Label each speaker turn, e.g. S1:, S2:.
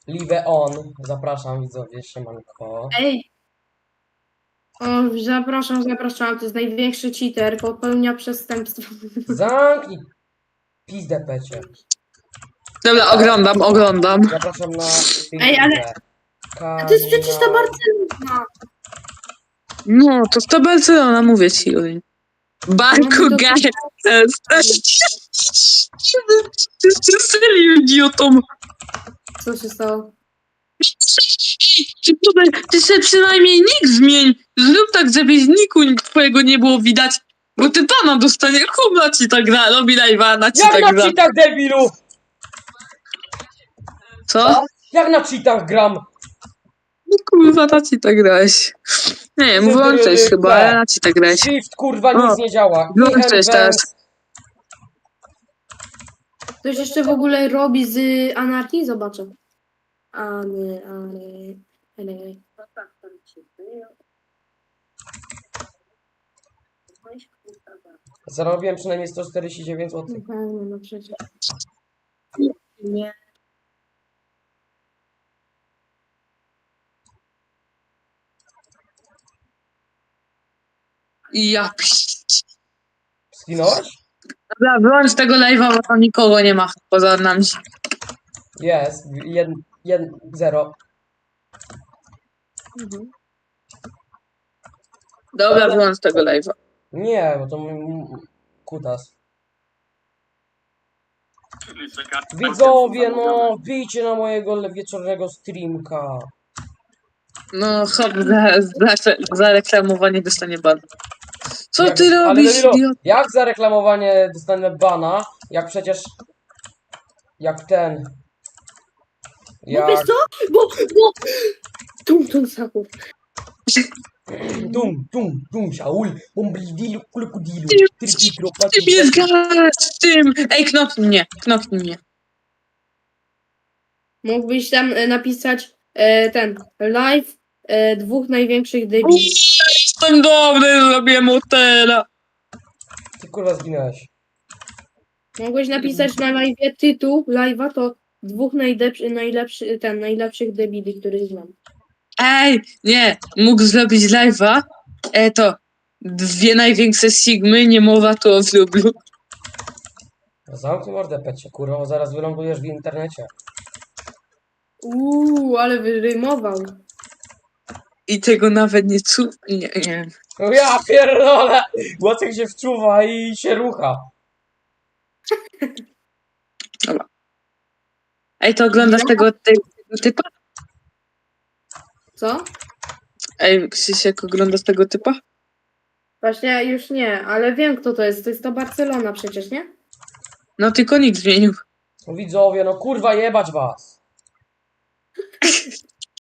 S1: Live on. Zapraszam widzowie, siemanko.
S2: Ej! O, zapraszam, to jest największy cheater, popełnia przestępstwo.
S1: Zamknij pizdę pecie.
S3: Dobra, oglądam.
S1: Zapraszam na
S2: Ej, ale-
S1: filmkę.
S2: A to jest przecież ta Barcelona!
S3: No, to z to Barcelona, mówię ci, Julin. Banku
S2: No to-
S3: Games. Ty serio, idiotą.
S2: Co się stało?
S3: Ty sobie przynajmniej nick zmień. Zrób tak, żeby z niku twojego nie było widać. Bo ty pana dostanie, kurwa ci tak gra, robi live'a, na ci
S1: Jak
S3: tak
S1: na
S3: gra.
S1: cheatach, debilu!
S3: Co?
S1: Jak na cheatach gram?
S3: No kurwa, na ci tak grałeś. Nie wiem, włączać chyba, ale na ci tak grałeś.
S1: Shift, kurwa,
S3: O,
S1: nic nie działa.
S3: włączać teraz.
S2: Ktoś jeszcze w ogóle robi z anarchii? Zobaczę. Ale.
S1: Zarobiłem przynajmniej 149 zł.
S2: No przecież. Nie.
S3: Ja
S1: Skinąłeś?
S3: Dobra, wyłącz tego live'a, bo tam nikogo nie ma poza nami.
S1: Jest. 0.
S3: Dobra, wyłącz tego live'a.
S1: Nie, bo to kutas. Widzowie, no, bijcie na mojego wieczornego streamka.
S3: No, hop, za reklamowanie dostanie ban. Co
S1: Jak-
S3: ty
S1: ale
S3: robisz,
S1: debilu,
S3: idiot?
S1: jak za reklamowanie dostanę bana, jak przecież... Jak ten...
S2: No wiesz
S1: Jak...
S2: co? Bo. Tum saków.
S1: Dum, Shaul, bomblidilu, kulukudilu,
S3: Ty
S1: tripikropati.
S3: mnie zgadasz z tym! Ej, knoknij mnie.
S2: Mógłbyś tam napisać ten live dwóch największych debili.
S3: Jestem dobry, zrobię motela.
S1: Ty kurwa zginąłeś.
S2: Mogłeś napisać na live tytuł live'a to dwóch najlepszych debili, których znam.
S3: Ej, nie, mógł zrobić live'a. To dwie największe sigmy, nie mowa tu o wróblu.
S1: Zamknij mordę, pecie, kurwa, bo zaraz wylądujesz w internecie.
S2: Ale wyrymował.
S3: I tego nawet nie nie.
S1: No ja pierdolę! Łacek się wczuwa i się rucha.
S3: Ej, to oglądasz tego typa?
S2: Co?
S3: Ej, Krzysiek, oglądasz tego typa?
S2: Właśnie już nie, ale wiem kto to jest. To jest to Barcelona przecież, nie?
S3: No tylko nikt zmienił.
S1: No widzowie, no kurwa jebać was.